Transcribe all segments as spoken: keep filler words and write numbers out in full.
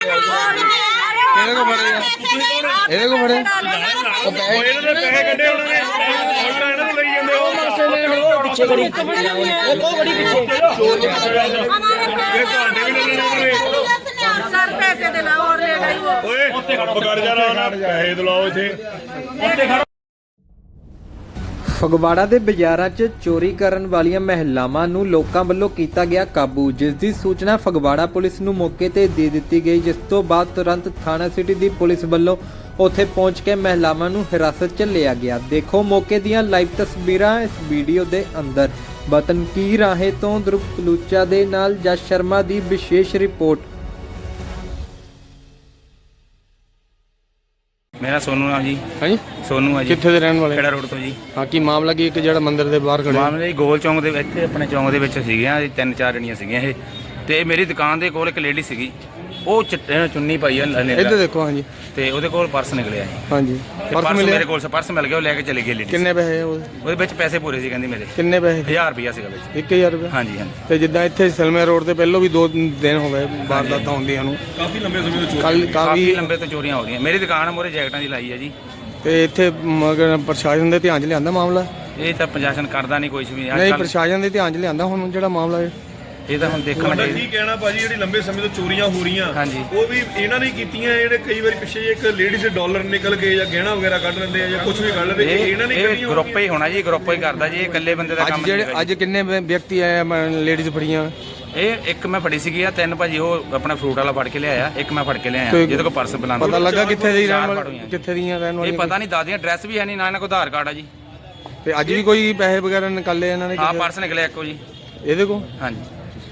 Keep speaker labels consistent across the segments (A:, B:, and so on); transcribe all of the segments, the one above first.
A: ਇਹਦੇ ਕੋ ਫੜੇ ਇਹਦੇ ਕੋ ਫੜੇ ਉਹ
B: ਇਹਨਾਂ ਦੇ ਪੈਸੇ ਕੱਢੇ ਉਹਨਾਂ ਨੇ ਹੁਣ ਤਾਂ ਇਹਨਾਂ ਨੂੰ ਲਈ ਜਾਂਦੇ ਉਹ ਪਾਸੇ ਨੇ ਉਹ ਪਿੱਛੇ ਬੜੀ ਉਹ ਬਹੁਤ ਬੜੀ ਪਿੱਛੇ ਇਹ ਤੁਹਾਡੇ ਵੀ ਲੈ ਲੈਣੇ
C: सर पैसे दिलाओ और ले गई वो
B: ਓਏ ਪਕੜ ਜਾ ਰਹਾ ਨਾ ਪੈਸੇ ਦਿਲਾਓ ਇੱਥੇ ਉੱਤੇ ਖੜਾ।
D: ਫਗਵਾੜਾ ਦੇ ਬਾਜ਼ਾਰਾਂ 'ਚ ਚੋਰੀ ਕਰਨ ਵਾਲੀਆਂ ਮਹਿਲਾਵਾਂ ਨੂੰ ਲੋਕਾਂ ਵੱਲੋਂ ਕੀਤਾ ਗਿਆ ਕਾਬੂ, ਜਿਸ ਦੀ ਸੂਚਨਾ ਫਗਵਾੜਾ ਪੁਲਿਸ ਨੂੰ ਮੌਕੇ ਤੇ ਦੇ ਦਿੱਤੀ ਗਈ, ਜਿਸ ਤੋਂ ਬਾਅਦ ਤੁਰੰਤ ਥਾਣਾ ਸਿਟੀ ਦੀ ਪੁਲਿਸ ਵੱਲੋਂ ਉੱਥੇ ਪਹੁੰਚ ਕੇ ਮਹਿਲਾਵਾਂ ਨੂੰ ਹਿਰਾਸਤ 'ਚ ਲਿਆ ਗਿਆ। ਦੇਖੋ ਮੌਕੇ ਦੀਆਂ ਲਾਈਵ ਤਸਵੀਰਾਂ ਇਸ ਵੀਡੀਓ ਦੇ ਅੰਦਰ। ਬਤਨਕੀ ਰਾਹੇ ਤੋਂ ਧਰੁਵ ਕਲੂਚਾ ਦੇ ਨਾਲ ਜਸ ਸ਼ਰਮਾ ਦੀ ਵਿਸ਼ੇਸ਼ ਰਿਪੋर्ट।
E: मेरा सोनू है जी।
A: हाँ जी
E: सोनू है जी।
A: कित्थे दे रहन वाले?
E: खेड़ा रोड तो जी।
A: हाँ की मामला की एक ਜਿਹੜਾ ਮੰਦਿਰ ਦੇ ਬਾਹਰ ਖੜੇ
E: ਮਾਮਲੇ ਜੀ ਗੋਲ ਚੌਂਕ ਦੇ ਇੱਥੇ ਆਪਣੇ ਚੌਂਕ ਦੇ ਵਿੱਚ ਸੀਗੀਆਂ ਜੀ, ਤਿੰਨ ਚਾਰ ਜਣੀਆਂ ਸੀਗੀਆਂ ਇਹ, ਤੇ ਮੇਰੀ ਦੁਕਾਨ ਦੇ ਕੋਲ ਇੱਕ ਲੇਡੀ ਸੀਗੀ, ਉਹ ਚਿੱਟੇ ਚੁੰਨੀ ਪਾਈ ਆ
A: ਇੱਧਰ ਦੇਖੋ। ਹਾਂਜੀ
E: ਤੇ ਉਹਦੇ ਕੋਲ ਪਰਸ ਨਿਕਲਿਆ ਸੀ।
A: ਹਾਂਜੀ
E: ਤੇ
A: ਪਰਸ
E: ਪਰਸ
A: ਮਿਲਿਆ?
E: ਮੇਰੇ ਕੋਲ ਸੀ, ਪਰਸ ਮਿਲ ਗਿਆ, ਉਹ ਲੈ ਕੇ ਚਲੀ ਗਈ ਲੇਡੀ।
A: ਕਿੰਨੇ ਪੈਸੇ ਉਹਦੇ?
E: ਉਹਦੇ ਵਿੱਚ ਪੈਸੇ ਪੂਰੇ ਸੀ ਕਹਿੰਦੀ ਮੇਰੇ।
A: ਕਿੰਨੇ ਪੈਸੇ?
E: ਹਜ਼ਾਰ ਰੁਪਇਆ ਸੀਗਾ ਵਿੱਚ।
A: ਇੱਕ ਹਜ਼ਾਰ ਰੁਪਏ?
E: ਹਾਂਜੀ ਹਾਂਜੀ।
A: ਤੇ ਜਿੱਦਾਂ ਇੱਥੇ ਸਲਮੇ ਰੋਡ ਤੇ ਪਹਿਲਾਂ ਵੀ ਦੋ ਦਿਨ ਹੋ ਗਏ ਵਾਰਦਾਤਾਂ ਹੁੰਦੀਆਂ ਨੂੰ,
B: ਕਾਫੀ ਲੰਬੇ ਸਮੇਂ ਤੋਂ
A: ਕੱਲ
E: ਕਾਫੀ
A: ਕਾਫੀ
E: ਲੰਬੇ ਤੋਂ ਚੋਰੀਆਂ ਹੋ ਰਹੀਆਂ। ਮੇਰੀ ਦੁਕਾਨ ਮੋਰੇ ਜੈਕਟਾਂ ਦੀ ਲਾਈ ਹੈ ਜੀ।
A: ਤੇ ਇੱਥੇ ਮਗਰ ਪ੍ਰਸ਼ਾਸਨ ਦੇ ਧਿਆਨ 'ਚ ਲਿਆਂਦਾ ਮਾਮਲਾ?
E: ਇਹ ਤਾਂ ਪ੍ਰਸ਼ਾਸਨ ਕਰਦਾ ਨਹੀਂ ਕੁਝ ਵੀ।
A: ਨਹੀਂ ਪ੍ਰਸ਼ਾਸਨ ਦੇ ਧਿਆਨ 'ਚ ਲਿਆਂਦਾ ਹੁਣ ਜਿਹੜਾ ਮਾਮਲਾ ਹੈ?
E: ਇਹ ਤਾਂ ਹੁਣ ਦੇਖਣਾ
B: ਤੁਹਾਡਾ
E: ਚਾਹੀਦਾ।
B: ਕੀ ਕਹਿਣਾ ਭਾਜੀ, ਜਿਹੜੀ ਲੰਬੇ ਸਮੇਂ ਤੋਂ ਚੋਰੀਆਂ ਹੋ ਰਹੀਆਂ
E: ਹਾਂਜੀ।
B: ਉਹ ਵੀ ਇਹਨਾਂ ਨੇ ਕੀਤੀਆਂ? ਜਿਹੜੇ ਕਈ ਵਾਰੀ ਪਿੱਛੇ ਇੱਕ ਲੇਡੀਜ਼ ਦੇ ਡਾਲਰ ਨਿਕਲ ਕੇ ਜਾਂ ਗਹਿਣਾ ਵਗੈਰਾ ਕੱਢ ਲੈਂਦੇ ਆ ਜਾਂ ਕੁਝ ਵੀ ਕੱਢ ਲੈਂਦੇ, ਇਹ ਇਹਨਾਂ ਨੇ
E: ਇਹ
B: ਕਰੀਆਂ
E: ਗਰੁੱਪ ਹੀ ਹੋਣਾ ਜੀ, ਗਰੁੱਪ ਹੀ ਕਰਦਾ ਜੀ, ਇਹ ਇਕੱਲੇ ਬੰਦੇ ਦਾ ਕੰਮ
A: ਅੱਜ
E: ਨਹੀਂ
A: ਜਿਹੜੇ
E: ਹੈਗਾ
A: ਅੱਜ ਕਿੰਨੇ ਵਿਅਕਤੀ ਆਏ ਲੇਡੀਜ਼ ਫੜੀਆਂ?
E: ਜੀ। ਇਹ ਇੱਕ ਮੈਂ ਫੜੀ ਸੀਗੀ ਆ, ਤਿੰਨ ਭਾਜੀ ਉਹ ਆਪਣਾ ਫਰੂਟ ਵਾਲਾ ਫੜ ਕੇ ਲਿਆਇਆ, ਇੱਕ ਮੈਂ ਫੜ ਕੇ ਲਿਆਇਆ
A: ਤੇ
E: ਜਿਹਦੇ ਕੋਲ ਪਰਸ ਬੁਲਾਉਂਦਾ।
A: ਪਤਾ ਲੱਗਾ ਕਿੱਥੇ ਦੀ ਰਹਿਣ
E: ਚਾਰ
A: ਵਾਲੀ,
E: ਫੜੀਆਂ।
A: ਕਿੱਥੇ ਦੀਆਂ ਰਹਿਣ
E: ਇਹ
A: ਵਾਲੀਆਂ?
E: ਪਤਾ ਨਹੀਂ, ਦਾਦੀਆਂ ਐਡਰੈਸ ਵੀ ਹੈ ਨਹੀਂ, ਨਾ ਇਹਨਾਂ ਕੋਲ ਆਧਾਰ ਕਾਰਡ ਆ ਜੀ।
A: ਤੇ ਅੱਜ ਵੀ ਕੋਈ ਪੈਸੇ ਵਗੈਰਾ ਨਿਕਾਲੇ ਇਹਨਾਂ ਨੇ?
E: ਹਾਂ ਪਰਸ ਨਿਕਲਿਆ ਇੱਕੋ ਜੀ।
A: ਇਹਦੇ ਕੋਲ
E: ਹਾਂਜੀ।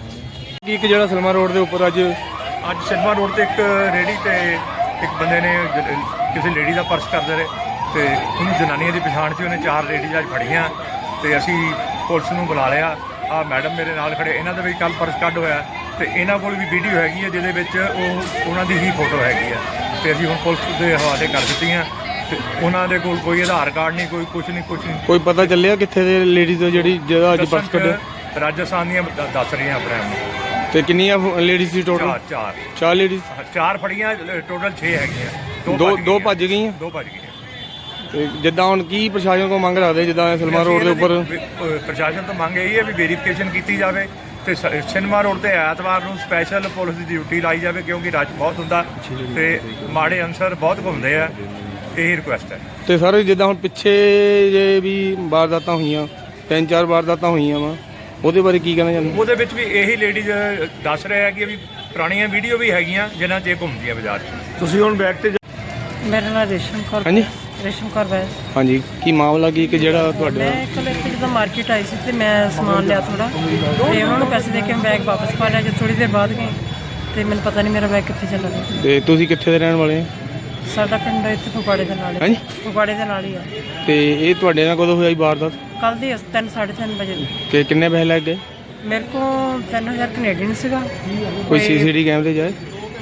A: ਕੀ ਇੱਕ ਜਿਹੜਾ ਸਲਮਾ ਰੋਡ ਦੇ ਉੱਪਰ ਅੱਜ
F: ਅੱਜ ਸਿਨੇਮਾ ਰੋਡ ਤੇ ਇੱਕ ਰੇਹੜੀ ਤੇ ਇੱਕ ਬੰਦੇ ਨੇ ਜ- ਕਿਸੇ ਲੇਡੀ ਦਾ ਪਰਸ ਕਰਦੇ ਰਹੇ ਤੇ ਉਹਨੂੰ ਜਨਾਨੀਆਂ ਦੀ ਪਛਾਣ 'ਚ ਉਹਨੇ ਚਾਰ ਲੇਡੀਜ਼ ਅੱਜ ਫੜੀਆਂ ਤੇ ਅਸੀਂ ਪੁਲਿਸ ਨੂੰ ਬੁਲਾ ਲਿਆ। ਆ ਮੈਡਮ ਮੇਰੇ ਨਾਲ ਖੜੇ, ਇਹਨਾਂ ਦਾ ਵੀ ਕੱਲ ਪਰਸ ਕੱਢ ਹੋਇਆ ਤੇ ਇਹਨਾਂ ਕੋਲ ਵੀ ਵੀਡੀਓ ਹੈਗੀ ਹੈ ਜਿਹਦੇ ਵਿੱਚ ਉਹ ਉਹਨਾਂ ਦੀ ਹੀ ਫੋਟੋ ਹੈਗੀ ਹੈ ਤੇ ਅਸੀਂ ਹੁਣ ਪੁਲਿਸ ਦੇ ਹਵਾਲੇ ਕਰ ਦਿੱਤੀਆਂ ਤੇ ਉਹਨਾਂ ਦੇ ਕੋਲ ਕੋਈ ਆਧਾਰ ਕਾਰਡ ਨਹੀਂ, ਕੋਈ ਕੁਝ ਨਹੀਂ, ਕੁਝ ਨਹੀਂ।
A: ਕੋਈ ਪਤਾ ਚੱਲਿਆ ਕਿੱਥੇ ਦੇ ਲੇਡੀਜ਼ ਜਿਹੜੀ ਜਿਹੜਾ ਅੱਜ ਪਰਸ ਕੱਢਿਆ?
F: ਰਾਜਸਥਾਨ ਦੀਆਂ ਦ- ਦੱਸ ਰਹੀਆਂ ਆਪਣੇ ਆਪ ਨੂੰ।
A: ਤੇ ਕਿੰਨੀਆਂ ਲੇਡੀਜ਼ ਸੀ ਟੋਟਲ?
F: ਚਾਰ ਚਾਰ
A: ਚਾਰ ਲੇਡੀਜ਼।
F: ਚਾਰ ਫੜੀਆਂ, ਟੋਟਲ ਛੇ ਹੈਗੀਆਂ।
A: ਦੋ
F: ਭੱਜ
A: ਦੋ
F: ਗਈਆਂ।
A: ਭੱਜ ਗਈਆਂ।
F: ਦੋ ਭੱਜ ਗਈਆਂ।
A: ਤੇ ਜਿੱਦਾਂ ਹੁਣ ਕੀ ਪ੍ਰਸ਼ਾਸਨ ਕੋਲ ਮੰਗ ਰੱਖਦੇ, ਜਿੱਦਾਂ ਸਲਮਾ ਰੋਡ ਦੇ ਉੱਪਰ
F: ਵੀ- ਅਹ ਪ੍ਰਸ਼ਾਸਨ ਤੋਂ ਮੰਗ ਇਹੀ ਹੈ ਵੀ ਵੈਰੀਫਿਕੇਸ਼ਨ ਕੀਤੀ ਜਾਵੇ ਤੇ ਸ- ਸਿਨੇਮਾ ਰੋਡ ਤੇ ਐਤਵਾਰ ਨੂੰ ਸਪੈਸ਼ਲ ਪੁਲਿਸ ਦੀ ਡਿਊਟੀ ਲਾਈ ਜਾਵੇ ਕਿਉਂਕਿ ਰਸ਼ ਬਹੁਤ ਹੁੰਦਾ ਤੇ ਮਾੜੇ ਅਨਸਰ ਬਹੁਤ ਘੁੰਮਦੇ ਆ। ਇਹੀ ਰਿਕੁਐਸਟ ਹੈ।
A: ਤੇ ਸਰ ਜਿੱਦਾਂ ਹੁਣ ਪਿੱਛੇ ਜੇ ਵੀ ਵਾਰਦਾਤਾਂ ਹੋਈਆਂ, ਤਿੰਨ ਚਾਰ ਵਾਰਦਾਤਾਂ ਹੋਈਆਂ ਵਾ, ਉਹਦੇ ਬਾਰੇ ਕੀ ਕਹਿਣਾ ਚਾਹੁੰਦੇ?
F: ਉਹਦੇ ਵਿੱਚ ਵੀ ਇਹੀ ਲੇਡੀਜ਼ ਦੱਸ ਰਹੇ ਆ ਕਿ ਵੀ ਪੁਰਾਣੀਆਂ ਵੀਡੀਓ ਵੀ ਹੈਗੀਆਂ ਜਿਨ੍ਹਾਂ 'ਚ ਇਹ ਘੁੰਮਦੀਆਂ ਬਾਜ਼ਾਰ 'ਚ।
B: ਤੁਸੀਂ ਹੁਣ ਬੈਕ ਤੇ
C: मेरा नाम रेशम कौर
A: ਹਾਂਜੀ
C: रेशम कौर वैस।
A: ਹਾਂਜੀ ਕੀ ਮਾਮਲਾ ਕੀ ਕਿ ਜਿਹੜਾ ਤੁਹਾਡੇ
C: ਮੈਂ ਕੱਲ ਇੱਥੇ ਜਦੋਂ ਮਾਰਕੀਟ ਆਈ ਸੀ ਤੇ ਮੈਂ ਸਮਾਨ ਲਿਆ ਥੋੜਾ ਤੇ ਉਹਨਾਂ ਨੂੰ ਪੈਸੇ ਦੇ ਕੇ ਮੈਂ ਬੈਗ ਵਾਪਸ ਪਾ ਲਿਆ। ਜਦ ਥੋੜੀ ਦੇਰ ਬਾਅਦ ਗਏ ਤੇ ਮੈਨੂੰ ਪਤਾ ਨਹੀਂ ਮੇਰਾ ਬੈਗ ਕਿੱਥੇ ਚਲਾ ਗਿਆ।
A: ਤੇ ਤੁਸੀਂ ਕਿੱਥੇ ਦੇ ਰਹਿਣ ਵਾਲੇ?
C: ਸਾਡਾ ਪਿੰਡ ਇੱਥੇ ਫਗਵਾੜੇ ਦੇ ਨਾਲ ਹੀ
A: ਹਾਂਜੀ
C: ਫਗਵਾੜੇ ਦੇ ਨਾਲ ਹੀ ਆ।
A: ਤੇ ਇਹ ਤੁਹਾਡੇ ਨਾਲ ਕਦੋਂ ਹੋਈ ਵਾਰਦਾਤ?
C: ਕੱਲ ਦੀ ਤਿੰਨ ਸਾਢੇ ਤਿੰਨ ਵਜੇ ਦੀ।
A: ਤੇ ਕਿੰਨੇ ਪੈਸੇ ਲੱਗ ਗਏ?
C: ਮੇਰੇ ਕੋਲ ਤਿੰਨ ਹਜ਼ਾਰ ਕੈਨੇਡੀਅਨ ਸੀਗਾ।
A: ਕੋਈ ਸੀਸੀਟੀ ਕੈਮਰੇ ਜਾਏ?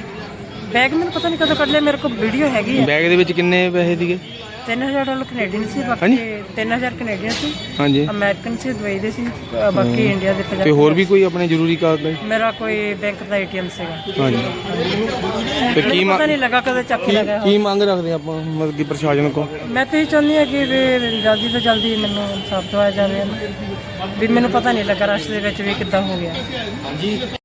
C: ਬੈਗ ਮੈਨੂੰ ਪਤਾ ਨਹੀਂ ਕਦੋਂ ਕੱਢ ਲਿਆ, ਮੇਰੇ ਕੋਲ ਵੀਡੀਓ ਹੈਗੀ ਆ।
A: ਬੈਗ ਦੇ ਵਿੱਚ ਕਿੰਨੇ ਪੈਸੇ ਸੀਗੇ?
C: ਤਿੰਨ ਹਜ਼ਾਰ ਡਾਲਰ ਕੈਨੇਡੀਅਨ ਸੀ, ਬਾਕੀ ਤਿੰਨ ਹਜ਼ਾਰ ਕੈਨੇਡੀਅਨ ਸੀ,
A: ਹਾਂਜੀ
C: ਅਮਰੀਕਨ ਸੀ, ਦੁਬਈ ਦੇ ਸੀ, ਅ, ਬਾਕੀ ਇੰਡੀਆ ਦੇ
A: ਤੇ
C: ਪੰਜਾਹ।
A: ਹੋਰ ਵੀ ਕੋਈ ਆਪਣੇ ਜ਼ਰੂਰੀ ਕਾਗਜ਼?
C: ਮੇਰਾ ਕੋਈ ਬੈਂਕ ਦਾ ਏਟੀਐਮ ਸੀਗਾ।
A: ਹਾਂਜੀ ਤੇ ਕੀ
C: ਮੈਨੂੰ
A: ਮੰਗ
C: ਪਤਾ ਨਹੀਂ ਲੱਗਾ ਕਦੋਂ ਚੱਕ
A: ਕੀ
C: ਲਗਾ।
A: ਕੀ ਮੰਗ ਰੱਖਦੇ ਆਪਾਂ ਮਤਲਬ ਕਿ ਪ੍ਰਸ਼ਾਸਨ ਕੋਲ?
C: ਮੈਂ ਤਾਂ ਇਹ ਚਾਹੁੰਦੀ ਹਾਂ ਕਿ ਵੀ ਜਲਦੀ ਤੋਂ ਜਲਦੀ ਮੈਨੂੰ ਇਨਸਾਫ ਦਿਵਾਇਆ ਜਾਵੇ ਵੀ ਮੈਨੂੰ ਪਤਾ ਨਹੀਂ ਲੱਗਾ ਰਸ਼ ਦੇ ਵਿੱਚ ਵੀ ਕਿੱਦਾਂ ਹੋ ਗਿਆ।